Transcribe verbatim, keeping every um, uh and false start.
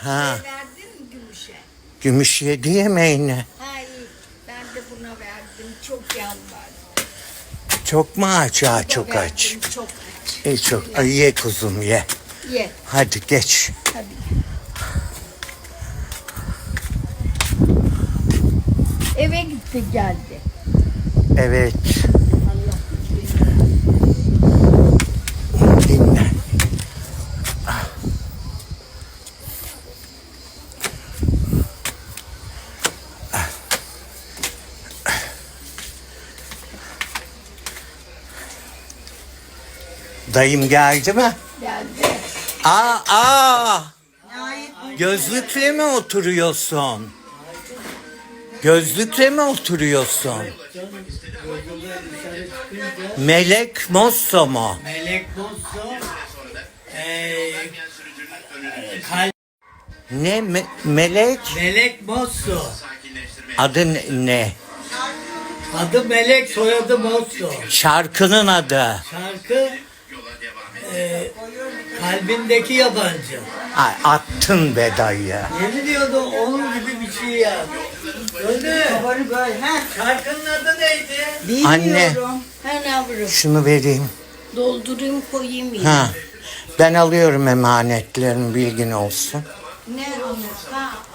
Ha. Ne verdin Gümüş'e? Gümüş yedi yemeğini. Ha iyi. Ben de buna verdim. Çok yalvardım. Çok mu aç? Ha, çok Verdim, aç. Çok aç. İyi çok. Ay, ye kuzum ye. Ye. Hadi geç. Hadi. Eve gitti geldi. Evet. Allah Dinle. Dayım geldi mi? geldi. Aa, aa. Gözlükle mi oturuyorsun? Gözlükle mi oturuyorsun? Melek Mosso mu? Melek Mosso eee Kal- Ne me- melek? Melek Mosso. Adı ne- ne? Adı Melek, soyadı Mosso. Şarkının adı. Şarkı eee kalbindeki yabancı. Ay, attın be dayı. Yeni diyordu onun gibi bir şey ya. Öyle. Şarkının adı neydi? Anne Ha yavrum. şunu vereyim. Doldurayım koyayım yine. Ha. Ben alıyorum emanetlerini, bilgin olsun. Ne onu? Ha